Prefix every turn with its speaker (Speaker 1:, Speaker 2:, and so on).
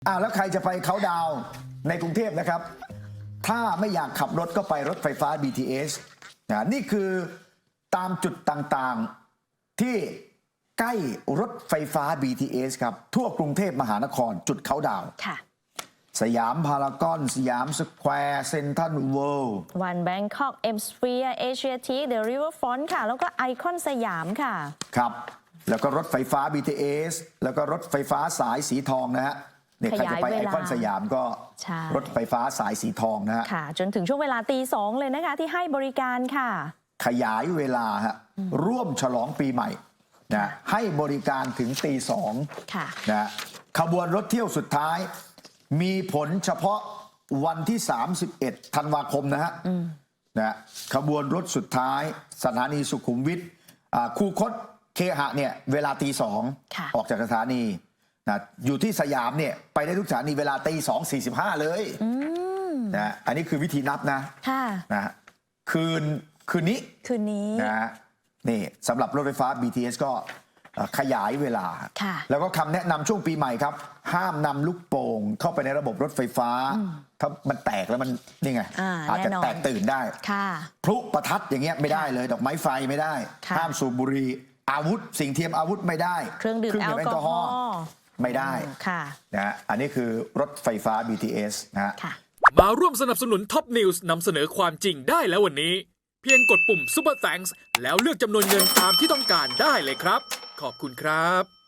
Speaker 1: แล้วใครจะไปเขาดาวน์ในกรุงเทพนะครับ ถ้าไม่อยากขับรถก็ไปรถไฟฟ้า BTS นี่คือตามจุดต่างๆที่ใกล้รถไฟฟ้า BTS ครับทั่วกรุงเทพมหานครจุดเขาดาวน์สยามพารากอนสยามสแควร์เซ็นทรัลเวิลด์
Speaker 2: วันแบงคอกเอ็มสเฟียร์เอเชียทีคเดอะริเวอร์ฟรอนต์ค่ะแล้วก็ไอคอนสยามค่ะครับ
Speaker 1: แล้วก็รถไฟฟ้า BTS แล้วก็รถไฟฟ้าสายสีทองนะฮะเนี่ยใครจะไปไอคอนสยามก็รถไฟฟ้าสายสีทองนะฮะ
Speaker 2: ค่ะจนถึงช่วงเวลาตี 2เลยนะคะที่ให้บริการค่ะ
Speaker 1: ขยายเวลาฮะร่วมฉลองปีใหม่นะให้บริการถึงตี 2นะขบวนรถเที่ยวสุดท้ายมีผลเฉพาะวันที่31ธันวาคมนะฮะขบวนรถสุดท้ายสถานีสุขุมวิทคูคตเคหะเนี่ยเวลาตี 2ออกจากสถานีนะอยู่ที่สยามเนี่ยไปได้ทุกสถานีเวลาตี 2:45เลยนะอันนี้คือวิธีนับนะคืนนี้นะนี่สำหรับรถไฟฟ้า BTS ก็ขยายเวลาแล้วก็คำแนะนำช่วงปีใหม่ครับห้ามนำลูกโป่งเข้าไปในระบบรถไฟฟ้าถ้ามันแตกแล้วมันนี่ไงอาจจะแตกตื่นได้พลุประทัดอย่างเงี้ยไม่ได้เลยดอกไม้ไฟไม่ได้ห้ามสูบบุหรี่อาวุธสิ่งเทียมอาวุธไม่ได้
Speaker 2: เครื่องดื่มแอลกอฮอล์
Speaker 1: ไม่ได้นะอันนี้คือรถไฟฟ้า BTS นะ
Speaker 3: มาร่วมสนับสนุนท็อปนิวส์นำเสนอความจริงได้แล้ววันนี้เพียงกดปุ่ม Super Thanks แล้วเลือกจำนวนเงินตามที่ต้องการได้เลยครับขอบคุณครับ